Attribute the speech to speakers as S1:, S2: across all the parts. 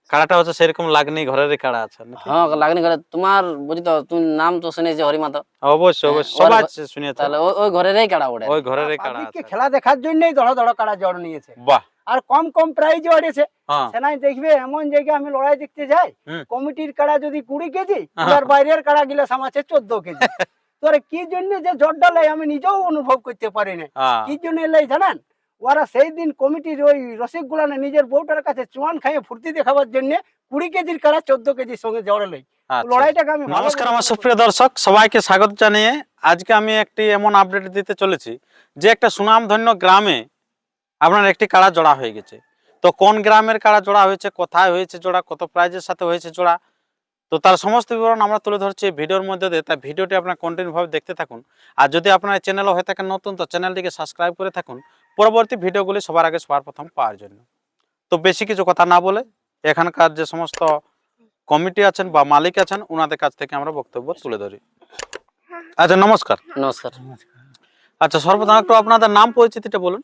S1: কাড়াটা হচ্ছে সেরকম লাগনি ঘরেরই কাড়া আছে নাকি?
S2: হ্যাঁ লাগনি ঘরে তোমার বুঝি তো তুমি নাম তো শুনেছি হরিমাতো।
S1: অবশ্যই
S2: হ্যাঁ,
S1: অবশ্যই সবাই শুনেছে।
S2: তাহলে ওই ঘরেরই কাড়া ওটা।
S1: ওই ঘরেরই কাড়া
S3: পাবলিককে
S1: আছে।
S3: খেলা দেখার জন্যই ধড় ধড় কাড়া জড় নিয়েছে,
S1: বাহ।
S3: আর কম কম প্রাইজে ওড়েছে।
S1: হ্যাঁ।
S3: সেনাই দেখবে এমন জায়গায় আমি লড়াই দেখতে যাই,
S1: হুম।
S3: কমিটির কাড়া যদি 20 কেজি,
S1: হ্যাঁ।
S3: আর বাইরের কাড়া গিলা সামাছে 14 কেজি। তোরে কি জন্য যে জড়টা লাই আমি নিজেও অনুভব করতে পারি না।
S1: হ্যাঁ।
S3: কি জন্য লাই জানেন? ওরা সেই দিন কমিটির ওই রসিক গুলানে নিজের বউটার কাছে চুয়ান খাইয়ে ফুর্তি দেখাবার জন্য 20 কেজির কাড়া 14 কেজির সঙ্গে জড়ে লাই।
S1: আচ্ছা।
S3: লড়াইটাকে আমি ভালো
S1: নমস্কার
S3: বলে
S1: আমার
S3: মনে
S1: সুপ্রিয় দর্শক, সবাইকে স্বাগত জানিয়ে আজকে আমি একটি এমন আপডেট দিতে চলেছি যে একটা সুনামধন্য গ্রামে আপনার একটি কাড়া জোড়া হয়ে গেছে। তো কোন গ্রামের কাড়া জোড়া হয়েছে, কোথায় হয়েছে জোড়া, কত প্রাইজের সাথে হয়েছে জোড়া, তো তার সমস্ত বিবরণ আমরা তুলে ধরছি এই ভিডিওর মধ্যে দিয়ে। তাই ভিডিওটি আপনার কন্টিনিউভাবে দেখতে থাকুন। আর যদি আপনার চ্যানেলও হয়ে থাকেন নতুন, তো চ্যানেলটিকে সাবস্ক্রাইব করে থাকুন পরবর্তী ভিডিওগুলি সবার আগে সবার প্রথম পাওয়ার জন্য। তো বেশি কিছু কথা না বলে এখানকার যে সমস্ত কমিটি আছেন বা মালিক আছেন ওনাদের কাছ থেকে আমরা বক্তব্য তুলে ধরি। আচ্ছা, নমস্কার।
S2: নমস্কার।
S1: আচ্ছা, সর্বপ্রথম একটু আপনাদের নাম পরিচিতিটা বলুন।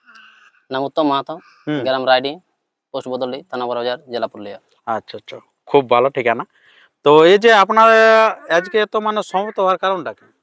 S2: নাম উত্তম মাহাতো,
S1: হুম।
S2: গ্রাম রাইডি, পোস্ট বদলি, থানা বড়বাজার, জেলা পুরুলিয়া।
S1: আচ্ছা আচ্ছা, খুব ভালো ঠিকানা। তো এই যে আপনার আজকে এত মানে সমবেত হওয়ার কারণটা কি?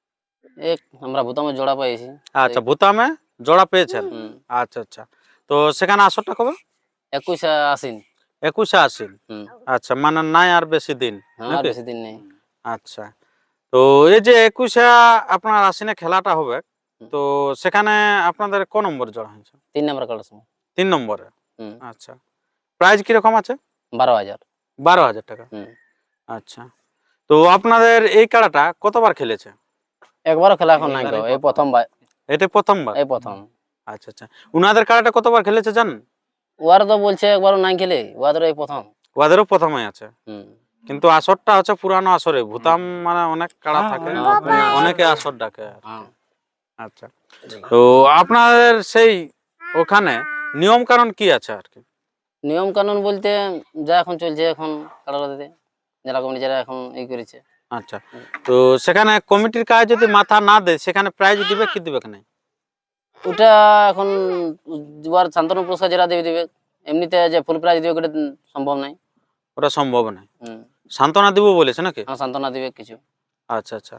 S2: এক আমরা ভূতামে জোড়া পেয়েছি।
S1: আচ্ছা, ভূতামে জোড়া পেয়েছেন।
S2: হুম।
S1: আচ্ছা আচ্ছা, তো সেখানে আসরটা কবে?
S2: 21 আশ্বিন।
S1: 21 আশ্বিন।
S2: হুম।
S1: আচ্ছা, মানে নাই আর বেশি দিন
S2: হ্যাঁ, আর
S1: নাকি?
S2: বেশি দিন নেই।
S1: আচ্ছা, তো এই যে 21 আপনার আশ্বিনে খেলাটা হবে, তো সেখানে আপনাদের ক নম্বর জোড়া হয়েছে?
S2: 3 নম্বর কাটার সময়।
S1: 3 নম্বরে।
S2: হুম।
S1: আচ্ছা, প্রাইজ কিরকম আছে?
S2: 12,000।
S1: 12,000 টাকা।
S2: হুম।
S1: আচ্ছা, তো আপনাদের এই কাড়াটা কতবার খেলেছে?
S2: একবারও খেলা এখন নাই গো, এই প্রথমবার।
S1: এটা প্রথমবার?
S2: এই প্রথম।
S1: আচ্ছা আচ্ছা, উনাদের কাড়াটা কতবার খেলেছে জানেন?
S2: ওয়ার তো বলছে একবারও নাই খেলে, ওয়াদের এই প্রথম।
S1: ওদেরও প্রথমে আছে,
S2: হুম।
S1: কিন্তু আসরটা হচ্ছে পুরানো আসরে। ভূতাম মানে অনেক কাড়া থাকে, অনেকে আসর ডাকে।
S2: হ্যাঁ।
S1: আচ্ছা, তো আপনাদের সেই ওখানে নিয়ম কানুন কি আছে আর কি?
S2: নিয়ম কানুন বলতে যা এখন চলছে এখন কাটারা দিতে জেলা কমিটি যারা এখন এই করেছে।
S1: আচ্ছা, তো সেখানে কমিটির কাজ যদি মাথা না দেয় সেখানে প্রাইজ দিবে কি দিবে না?
S2: ওটা এখন দুবার শান্তনু পুরস্কার যারা দেবে দেবে, এমনিতে যে ফুল প্রাইজ দিবে ওটা সম্ভব নাই।
S1: ওটা সম্ভব নয়।
S2: হুম।
S1: সান্ত্বনা দিব বলেছে নাকি?
S2: হ্যাঁ, সান্ত্বনা দিবে কিছু।
S1: আচ্ছা আচ্ছা,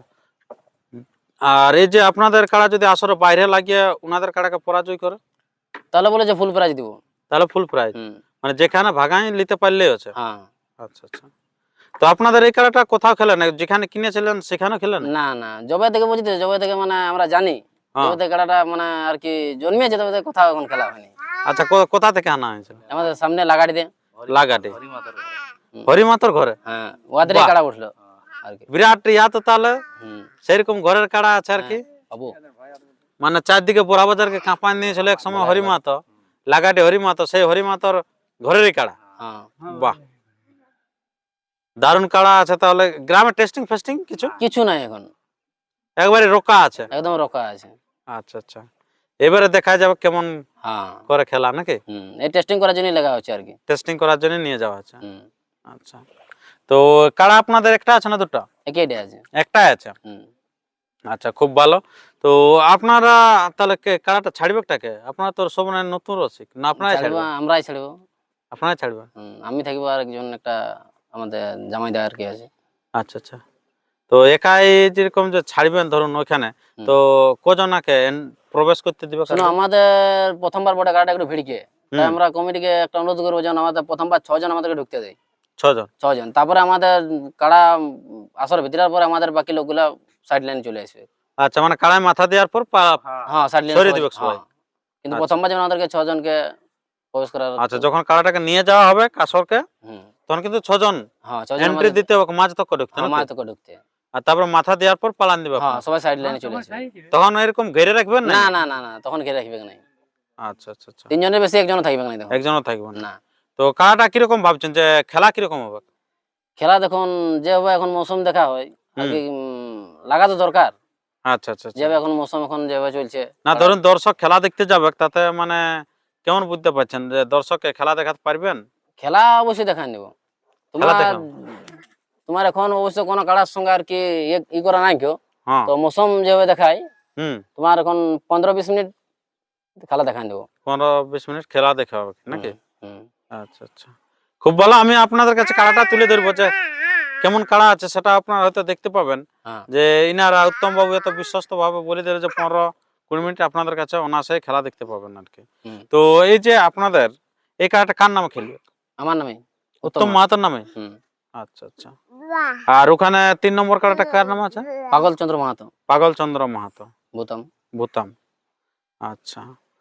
S1: আর এই যে আপনাদের কাড়া যদি আসরে বাইরে লাগিয়ে ওনাদের কাড়াকে পরাজয় করে
S2: তাহলে বলে যে ফুল প্রাইজ দিব।
S1: তাহলে ফুল প্রাইজ,
S2: হুম।
S1: মানে যেখানে ভাগাই নিতে পারলেই হচ্ছে।
S2: হ্যাঁ।
S1: আচ্ছা আচ্ছা, তো আপনাদের এই খেলাটা কোথাও খেলেন, যেখানে কিনেছিলেন সেখানে খেলেন?
S2: না না, জবে থেকে বুঝতে, জবে থেকে মানে আমরা জানি,
S1: হ্যাঁ।
S2: জবে থেকে খেলাটা মানে আর কি জন্মিয়েছে, তবে থেকে কোথাও এখন খেলা হয়নি।
S1: আচ্ছা, কোথা থেকে আনা হয়েছিল?
S2: আমাদের সামনে লাগাড়ি দিয়ে।
S1: লাগাটে হরিমাতর ঘরে?
S2: হ্যাঁ, ওয়াদের
S1: বাহ।
S2: কাড়া উঠলো আর কি।
S1: বিরাট ইয়া তো, তাহলে
S2: হুম।
S1: সেরকম ঘরের কাড়া আছে আর কি।
S2: বাবু।
S1: মানে চারদিকে বোরা বাজারকে কাঁপান দিয়েছিল এক সময় হরিমাত, লাগাটে হরিমাত, সেই হরিমাতর ঘরেরই কাড়া।
S2: হ্যাঁ।
S1: বাহ, দারুণ কাড়া আছে। তাহলে গ্রামে টেস্টিং ফেস্টিং কিছু
S2: কিছু নাই এখন,
S1: একবারে রোকা আছে?
S2: একদম রকা আছে।
S1: আচ্ছা আচ্ছা, এবারে দেখা যাবে কেমন
S2: হ্যাঁ।
S1: করে খেলা নাকি?
S2: হুম, এই টেস্টিং করার জন্যই লাগা হচ্ছে আর কি।
S1: টেস্টিং করার জন্য নিয়ে যাওয়া আছে।
S2: হুম।
S1: আচ্ছা, তো কাড়া আপনাদের একটা আছে না দুটো?
S2: একইটাই আছে।
S1: একটাই আছে।
S2: হুম।
S1: আচ্ছা, খুব ভালো। তো আপনারা তাহলে কাড়াটা ছাড়বে টাকে? আপনারা তো সব নতুন রসিক না, আপনারাই
S2: ছাড়বো,
S1: ছাড়বেন?
S2: আমরাই ছাড়বো।
S1: আপনারাই ছাড়বেন?
S2: আমি থাকবো আর একজন একটা আমাদের জামাইদা আর কি আছে।
S1: আচ্ছা আচ্ছা, তো একাই যেরকম যে ছাড়বেন ধরুন ওইখানে, তো কজনাকে প্রবেশ করতে দিবে?
S2: শোনো, আমাদের প্রথমবার বড় গাড়িটা একটু ভিড়কে, তাই আমরা কমিটিকে একটা অনুরোধ করবো যেন আমাদের প্রথমবার 6 জন আমাদেরকে ঢুকতে দেয়।
S1: 6 জন?
S2: 6 জন, তারপরে আমাদের কাড়া আসর ভিতরার পরে আমাদের বাকি লোকগুলা সাইড লাইনে চলে আসবে।
S1: আচ্ছা, মানে কাড়ায় মাথা দেওয়ার পর
S2: হ্যাঁ, সাইড লাইনে
S1: সরিয়ে দিবে সবাই?
S2: কিন্তু
S1: আচ্ছা।
S2: প্রথমবার যেমন আমাদেরকে 6 জনকে প্রবেশ করার।
S1: আচ্ছা, যখন কাড়াটাকে নিয়ে যাওয়া হবে কাসরকে,
S2: হুম।
S1: তখন কিন্তু 6 জন
S2: হ্যাঁ, 6 জন
S1: এন্ট্রি দিতে হবে, মাঝ তক ঢুকতে
S2: হ্যাঁ,
S1: নাকি?
S2: মাঝ থেকে ঢুকতে।
S1: আর তারপর মাথা দেওয়ার পর পালান দিবে
S2: হ্যাঁ,
S1: আপনারা?
S2: সবাই সাইড লাইনে চলে আসবে।
S1: তখন এরকম ঘিরে রাখবেন
S2: না না না না, তখন ঘিরে রাখবে না।
S1: আচ্ছা আচ্ছা আচ্ছা,
S2: 3 জনের বেশি একজনও থাকবে না তখন।
S1: একজনও থাকবে না।
S2: না।
S1: তো কাড়াটা কিরকম ভাবছেন যে খেলা কিরকম হবে?
S2: খেলা দেখুন যেভাবে এখন মৌসুম দেখা হয় আর কি, লাগা তো দরকার।
S1: আচ্ছা আচ্ছা আচ্ছা,
S2: যেভাবে এখন মৌসুম এখন যেভাবে চলছে।
S1: না ধরুন দর্শক খেলা দেখতে যাবে, তাতে মানে কেমন বুঝতে পারছেন যে দর্শককে খেলা দেখাতে পারবেন?
S2: খেলা অবশ্যই দেখা নেব।
S1: খেলা
S2: তোমার
S1: দেখান?
S2: তোমার এখন অবশ্য কোনো কাড়ার সঙ্গে আর কি ই করা নাই কেউ।
S1: হ্যাঁ।
S2: তো মৌসুম যেভাবে দেখায়,
S1: হুম।
S2: তোমার এখন 15-20 মিনিট খেলা দেখা নেব।
S1: 15-20 মিনিট খেলা দেখা হবে নাকি?
S2: হুম।
S1: আচ্ছা আচ্ছা, খুব ভালো। আমি আপনাদের কাছে কাড়াটা তুলে ধরবো যে কেমন কাড়া আছে সেটা আপনারা হয়তো দেখতে পাবেন।
S2: হ্যাঁ।
S1: যে ইনারা উত্তম বাবু এত বিশ্বস্ত ভাবে বলে দিলে যে 15-20 মিনিট আপনাদের কাছে অনায়াসে খেলা দেখতে পাবেন আর কি।
S2: হুম।
S1: তো এই যে আপনাদের এই কাড়াটা কার নামে খেলবে?
S2: আমার নামে
S1: উত্তম মাহাতোর নামে।
S2: হুম।
S1: আচ্ছা আচ্ছা। আর ওখানে 3 নম্বর কাড়াটা কার নাম আছে?
S2: পাগল চন্দ্র মাহাতো,
S1: পাগল চন্দ্র মাহাতো,
S2: ভূতম।
S1: ভূতাম। আচ্ছা।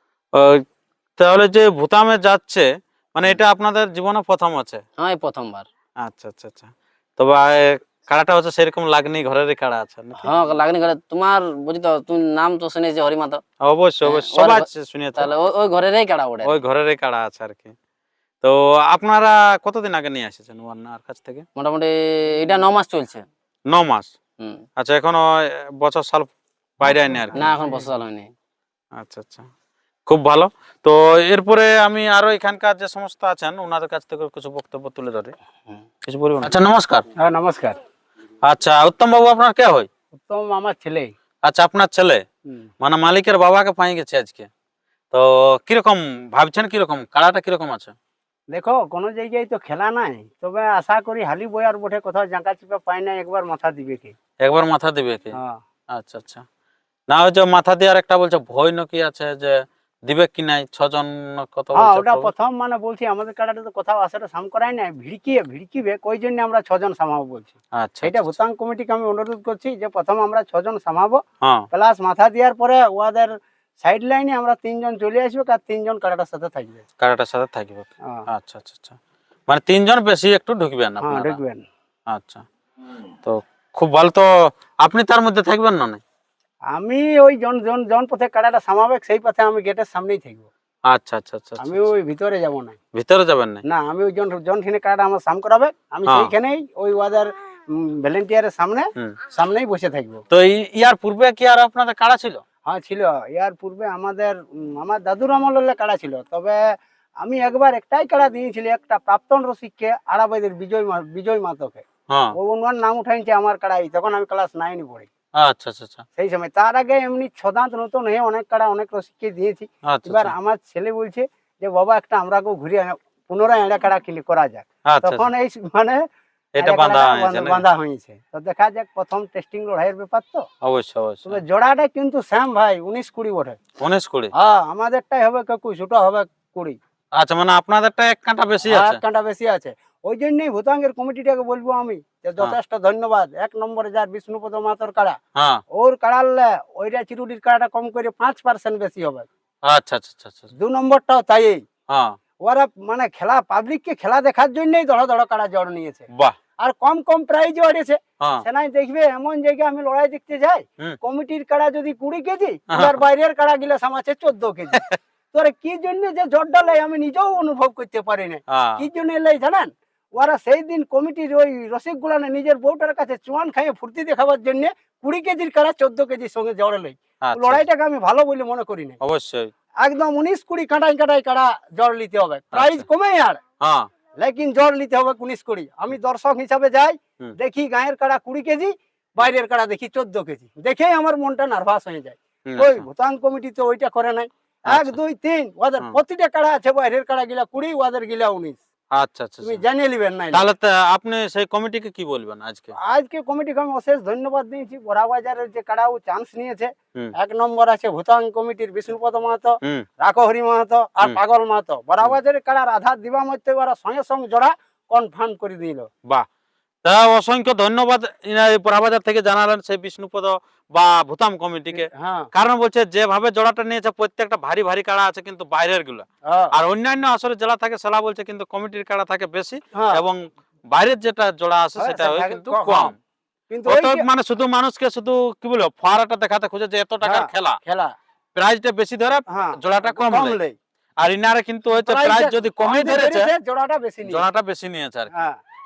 S1: ওই তাহলে যে ভূতামে যাচ্ছে মানে এটা আপনাদের জীবনে প্রথম আছে?
S2: হ্যাঁ, এই প্রথমবার।
S1: আচ্ছা আচ্ছা আচ্ছা। তবে কাড়াটা হচ্ছে সেরকম লাগনি, ঘরেরই কাড়া আছে নাকি?
S2: হ্যাঁ, লাগনি করে তোমার বুঝি তো, তুমি নাম তো শুনেছি হরিমাতো।
S1: অবশ্যই অবশ্যই,
S2: ওর
S1: সবাই
S2: ঘ-
S1: শুনিয়েছে।
S2: তাহলে ওই ঘরেরই কাড়া ওটা।
S1: ওই ঘরেরই কাড়া আছে আর কি। তো আপনারা কতদিন আগে নিয়ে এসেছেন ওনার কাছ থেকে?
S2: মোটামুটি এটা 9 মাস চলছে।
S1: 9 মাস।
S2: হুম।
S1: আচ্ছা, এখনো বছর সাল বাইরে আইনি আর কি?
S2: না, এখন বছর সাল হয়নি।
S1: আচ্ছা আচ্ছা, খুব ভালো। তো এরপরে আমি আরো এখানকার যে সমস্ত আছেন ওনাদের কাছ থেকে কিছু বক্তব্য তুলে ধরি।
S2: হুম।
S1: কিছু বলবেন? আচ্ছা, নমস্কার।
S3: হ্যাঁ নমস্কার।
S1: আচ্ছা, উত্তম বাবু আপনার কে হয়?
S3: উত্তম আমার ছেলে।
S1: আচ্ছা, আপনার ছেলে
S3: হুম।
S1: মানে মালিকের বাবাকে পাই গেছে আজকে। তো কিরকম ভাবছেন, কিরকম কাড়াটা কিরকম আছে?
S3: দেখো কোনো জায়গায় তো খেলা নাই, তবে আশা করি হালি বয়ার বটে, কোথাও জাঁকা চিপা পাই না, একবার মাথা দিবে কি।
S1: একবার মাথা দিবে কি?
S3: হ্যাঁ
S1: আচ্ছা আচ্ছা। না, ওই যে মাথা দেওয়ার একটা বলছে ভয় নাকি আছে, যে দিবে কি নাই, 6 জন কত
S3: হ্যাঁ,
S1: বলছে
S3: ওটা
S1: প্রভু?
S3: প্রথম মানে বলছি আমাদের কাটাটা তো কোথাও আসাটা সাম করাই নাই, ভিড়কিবে কই জন্য আমরা 6 জন সামাবো বলছি।
S1: আচ্ছা
S3: সেটা
S1: আচ্ছা,
S3: ভূতাং কমিটিকে আমি অনুরোধ করছি যে প্রথম আমরা 6 জন সামাবো,
S1: হ্যাঁ,
S3: প্লাস মাথা দেওয়ার পরে ওদের সাইড লাইনে আমরা 3 জন চলে আসবো, আর 3 জন কাটাটার সাথে থাকবে।
S1: কাড়াটার সাথে থাকবে।
S3: হ্যাঁ
S1: আচ্ছা আচ্ছা আচ্ছা, মানে 3 জন বেশি একটু ঢুকবেন
S3: হ্যাঁ
S1: আপনারা?
S3: ঢুকবেন।
S1: আচ্ছা, তো খুব ভালো। তো আপনি তার মধ্যে থাকবেন না?
S3: আমি ওই জন জন জন পথে কাটাটা সামাবে সেই পথে আমি গেটের সামনেই থাকবো।
S1: আচ্ছা আচ্ছা আচ্ছা,
S3: আমি ওই ভিতরে যাব না।
S1: ভিতরে যাবেন না?
S3: না, আমি ওই জন জন ঠিনে কাটাটা আমার সাম করাবে, আমি
S1: হ্যাঁ।
S3: সেইখানেই ওই ওদের ভলেন্টিয়ারের
S1: হুম।
S3: সামনেই বসে থাকবো।
S1: তো ইয়ার পূর্বে কি আর আপনাদের কাড়া ছিল?
S3: হ্যাঁ ছিল, ইয়ার পূর্বে আমাদের আমার দাদুর আমলের কাড়া ছিল, তবে আমি একবার একটাই কাড়া দিয়েছিলি, একটা প্রাক্তন রসিককে, আড়াবাইদের বিজয় মাতকে।
S1: হ্যাঁ।
S3: ওনার নাম উঠাইছে আমার কাড়াই, তখন আমি ক্লাস 9 পড়ি
S1: আচ্ছা আচ্ছা আচ্ছা
S3: সেই সময়। তার আগে এমনি ছদাঁত নতুন হয়ে অনেক কাড়া অনেক রসিককে দিয়েছি।
S1: আচ্ছা
S3: এবার
S1: আচ্ছা
S3: আমার ছেলে বলছে যে বাবা একটা আমরাকেও ঘুরে পুনরায় এড়া কাড়া করা যাক।
S1: আচ্ছা,
S3: তখন এই মানে
S1: এটা
S3: এড়া
S1: বাঁধা
S3: কাড়াটা
S1: হয়েছে নাকি?
S3: বাঁধা হয়েছে। তো দেখা যাক, প্রথম টেস্টিং লড়াইয়ের ব্যাপার তো।
S1: অবশ্যই
S3: তবে
S1: অবশ্যই।
S3: জোড়াটা কিন্তু শ্যাম ভাই 19-20 বটে।
S1: 19-20?
S3: হ্যাঁ, আমাদেরটাই হবে 21, ওটা হবে 20।
S1: আচ্ছা, মানে আপনাদেরটা এক কাঁটা বেশি
S3: আর
S1: আছে?
S3: কাঁটা বেশি আছে। ওই জন্যই ভূতাঙ্গের কমিটিটাকে বলবো আমি যে যথেষ্ট ধন্যবাদ। 1 নম্বরে যার বিষ্ণুপদ মাতর কাড়া,
S1: হ্যাঁ।
S3: ওর কাড়ালে ওইটা চিরুডির কাড়াটা কম করে 5% বেশি হবে।
S1: আচ্ছা আচ্ছা আচ্ছা আচ্ছা,
S3: 2 নম্বরটাও তাই।
S1: হ্যাঁ।
S3: ওরা মানে খেলা, পাবলিককে খেলা দেখার জন্যই ধড় ধড় কাড়া জড় নিয়েছে,
S1: বাহ।
S3: আর কম কম প্রাইজ ওড়েছে।
S1: হ্যাঁ।
S3: সেনাই দেখবে এমন জায়গায় আমি লড়াই দেখতে যাই,
S1: হুম।
S3: কমিটির কাড়া যদি 20 কেজি,
S1: হ্যাঁ।
S3: আর বাইরের কাড়া গিলা সামাছে 14 কেজি। তোরা কি জন্য যে জড়টা লাই আমি নিজেও অনুভব করতে পারি না।
S1: হ্যাঁ।
S3: কি জন্য লাই জানেন? ওরা সেই দিন কমিটির ওই রসিক গুলানে নিজের বউটার কাছে চুয়ান খাইয়ে ফুর্তি দেখাবার জন্য 20 কেজির কাড়া 14 কেজির সঙ্গে জড়ে লাই।
S1: আচ্ছা,
S3: লড়াইটাকে আমি ভালো বলে মনে করি না।
S1: অবশ্যই।
S3: একদম 19-20 কাঁটাই কাঁটাই কাড়া জড় নিতে হবে, প্রাইজ
S1: আচ্ছা।
S3: কমে আর,
S1: হ্যাঁ।
S3: লেকিন জড় নিতে হবে 19-20। আমি দর্শক হিসাবে যাই,
S1: হুম।
S3: দেখি গায়ের কাড়া 20 কেজি, বাইরের কাড়া দেখি 14 কেজি, দেখেই আমার মনটা নার্ভাস হয়ে যায়।
S1: হুম,
S3: ওই
S1: আচ্ছা।
S3: ভূতাং কমিটি তো ওইটা করে নাই। 1,
S1: আচ্ছা।
S3: 2, 3 ওদের
S1: হুম।
S3: প্রতিটা কাড়া আছে, বাইরের কাড়া গিলা 20, ওদের গিলা 19।
S1: আচ্ছা আচ্ছা
S3: তুমি
S1: আচ্ছা।
S3: জানিয়ে নিবেন নাই?
S1: তাহলে তো আপনি সেই কমিটিকে কি বলবেন আজকে?
S3: আজকে কমিটিকে আমি অশেষ ধন্যবাদ দিয়েছি। বড়াবাজারের যে কাড়াও চান্স নিয়েছে,
S1: হুম।
S3: 1 নম্বর আছে ভূতাং কমিটির বিষ্ণুপদ মাহাতো,
S1: হুম।
S3: রাখহরি মাহাতো আর
S1: হুম।
S3: পাগল মাহাতো। বড়াবাজারের কাড়ার আধার দিবা মধ্যে ওরা সঙ্গে সঙ্গে জোড়া কনফার্ম করে দিল।
S1: বাহ। তা অসংখ্য ধন্যবাদ পোড়াবাজার থেকে জানালেন সেই বিষ্ণুপদ বা ভূতাম কমিটিকে।
S3: হ্যাঁ
S1: কারণ বলছে যেভাবে জোড়াটা নিয়েছে প্রত্যেকটা ভারী ভারী কাড়া আছে কিন্তু বাইরের গুলা,
S3: হ্যাঁ,
S1: আর অন্যান্য আসরে জেলা থাকে সেলা বলছে কিন্তু কমিটির কাড়া থাকে বেশি,
S3: হ্যাঁ,
S1: এবং বাইরের যেটা জোড়া আছে
S3: হ্যাঁ,
S1: সেটা
S3: সেটা
S1: হয়
S3: থাকে
S1: কিন্তু
S3: কম।
S1: কম।
S3: কিন্তু ওই
S1: অতএব
S3: যে
S1: মানে শুধু মানুষকে শুধু কি বলবো ফোয়ারাটা দেখাতে খুঁজে যে এত টাকার
S3: হ্যাঁ,
S1: খেলা,
S3: খেলা,
S1: প্রাইজটা বেশি ধরে
S3: হ্যাঁ,
S1: জোড়াটা কম নেয়।
S3: লেই।
S1: আর ইনারে কিন্তু হচ্ছে প্রাইজ যদি কমই
S3: কমই
S1: ধরেছে
S3: ধরেছে, জোড়াটা বেশি নিয়ে।
S1: জোড়াটা বেশি নিয়েছে আর কি।
S3: হ্যাঁ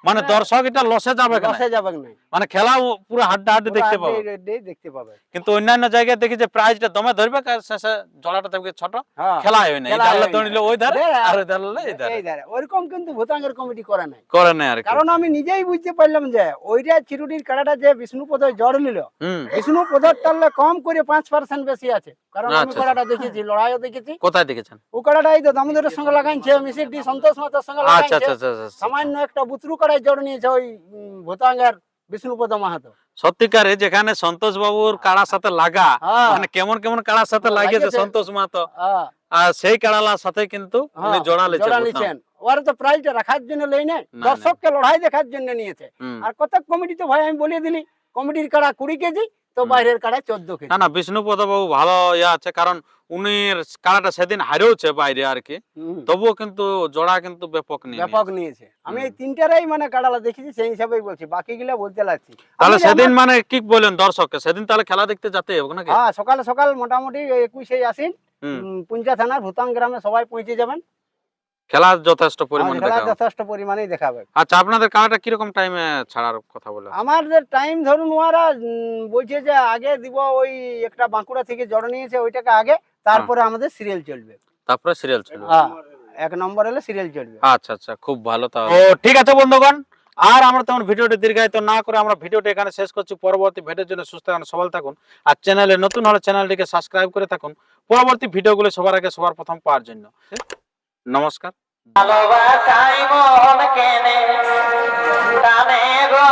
S1: মানে দর্শক এটা লসে যাবে কেন?
S3: লসে যাবে না,
S1: মানে খেলা পুরো হাড্ডাহাড্ডি দেখতে পাবে।
S3: দেখতে পাবে।
S1: কিন্তু অন্যান্য জায়গায় দেখি যে প্রাইজটা দমে ধরবে, শেষে জোড়াটা দেখবে ছোট,
S3: হ্যাঁ,
S1: খেলাই হয় না। এই
S3: খেলাই
S1: ডালে
S3: হয় না।
S1: দড়িলে ওই ধারে
S3: দেখ,
S1: আর ওই ডালে এই ধারে
S3: এই ধারে ওইরকম কিন্তু ভূতাঙ্গের কমিটি করে নাই।
S1: করে না আর কি।
S3: কারণ আমি নিজেই বুঝতে পারলাম যে ওইটা চিরুটির কাড়াটা যে বিষ্ণুপদ জড় নিল,
S1: হুম,
S3: বিষ্ণুপদের টানলে কম করে 5% বেশি আছে। কারণ আমি
S1: আচ্ছা,
S3: কাড়াটা দেখেছি, লড়াইও দেখেছি।
S1: কোথায় দেখেছেন?
S3: ও কাড়াটা এই তো দামোদরের সঙ্গে লাগাইছে, মিসির ডি সন্তোষ মাতার সঙ্গে
S1: আচ্ছা
S3: লাগাইছে।
S1: আচ্ছা আচ্ছা আচ্ছা।
S3: সামান্য একটা বুতরু কাড়াই জড় নিয়েছে ওই ভূতাঙ্গের বিষ্ণুপদ মাহাতো।
S1: সত্যিকারে যেখানে সন্তোষ বাবুর কাড়ার সাথে লাগা,
S3: হ্যাঁ,
S1: মানে কেমন কেমন কাড়ার সাথে লাগেছে
S3: লাগেছে।
S1: সন্তোষ মাহাতো,
S3: হ্যাঁ,
S1: আর সেই কাড়ালার সাথে কিন্তু উনি জোড়া
S3: জড়া
S1: লেছেন।
S3: নিয়েছেন। ওরা তো প্রাইজটা রাখার জন্য লই নাই,
S1: না।
S3: দর্শককে লড়াই দেখার জন্য নিয়েছে।
S1: হুম।
S3: আর কত কমিটি তো ভাই আমি বলে দিলি, কমিটির কাড়া 20 কেজি, তো বাইরের কাড়া 14 কেজি।
S1: না না, বিষ্ণুপদ বাবু ভালো ইয়ে আছে, কারণ উনি কাড়াটা সেদিন হারেওছে বাইরে আর কি,
S3: হুম,
S1: তবুও কিন্তু জোড়া কিন্তু ব্যাপক নিয়ে
S3: ব্যাপক নিয়েছে। আমি এই তিনটারই মানে কাড়ালা দেখেছি, সেই হিসাবেই বলছি, বাকিগুলা বলতে লাগছি।
S1: তাহলে
S3: আমি যে
S1: সেদিন
S3: আমার-
S1: মানে কি বলেন দর্শককে, সেদিন তাহলে খেলা দেখতে যেতে হবে নাকি?
S3: হ্যাঁ, সকাল সকাল মোটামুটি 21 আসিন
S1: হুম।
S3: পুঞ্জা থানার ভূতাং গ্রামে সবাই পৌঁছে যাবেন।
S1: খেলা যথেষ্ট পরিমাণে
S3: খেলা
S1: দেখা।
S3: যথেষ্ট পরিমাণেই দেখাবে।
S1: আচ্ছা, আপনাদের কাড়াটা কিরকম টাইমে ছাড়ার কথা বলে?
S3: আমাদের টাইম ধরুন ওরা বলছে যে আগে দিব, ওই একটা বাঁকুড়া থেকে জড় নিয়েছে ওইটাকে আগে, তারপরে আমাদের সিরিয়াল চলবে।
S1: তারপরে সিরিয়াল ছিল।
S3: হ্যাঁ, 1 নম্বর হলে সিরিয়াল চলবে।
S1: আচ্ছা আচ্ছা, খুব ভালো। তাহলে ও ঠিক আছে বন্ধুগণ, আর আমরা তেমন ভিডিওটি দীর্ঘায়িত না করে আমরা ভিডিওটি এখানে শেষ করছি। পরবর্তী ভিডিওর জন্য সুস্থ থাকুন, সবল থাকুন, আর চ্যানেলে নতুন হলে চ্যানেলটিকে সাবস্ক্রাইব করে থাকুন পরবর্তী ভিডিওগুলো সবার আগে সবার প্রথম পাওয়ার জন্য। নমস্কার।
S4: ভালোবাসাই মন কেনে টানে গো,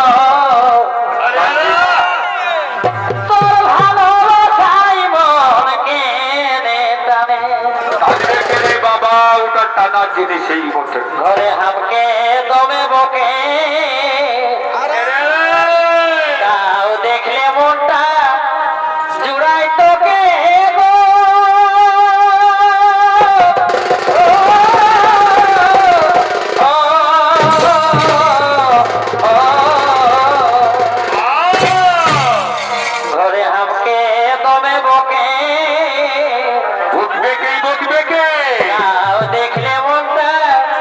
S4: তোর ভালোবাসাই মন কেনে টানে,
S5: বাবা ওটা টানা জিনিসই বটে।
S4: ঘরে হামকে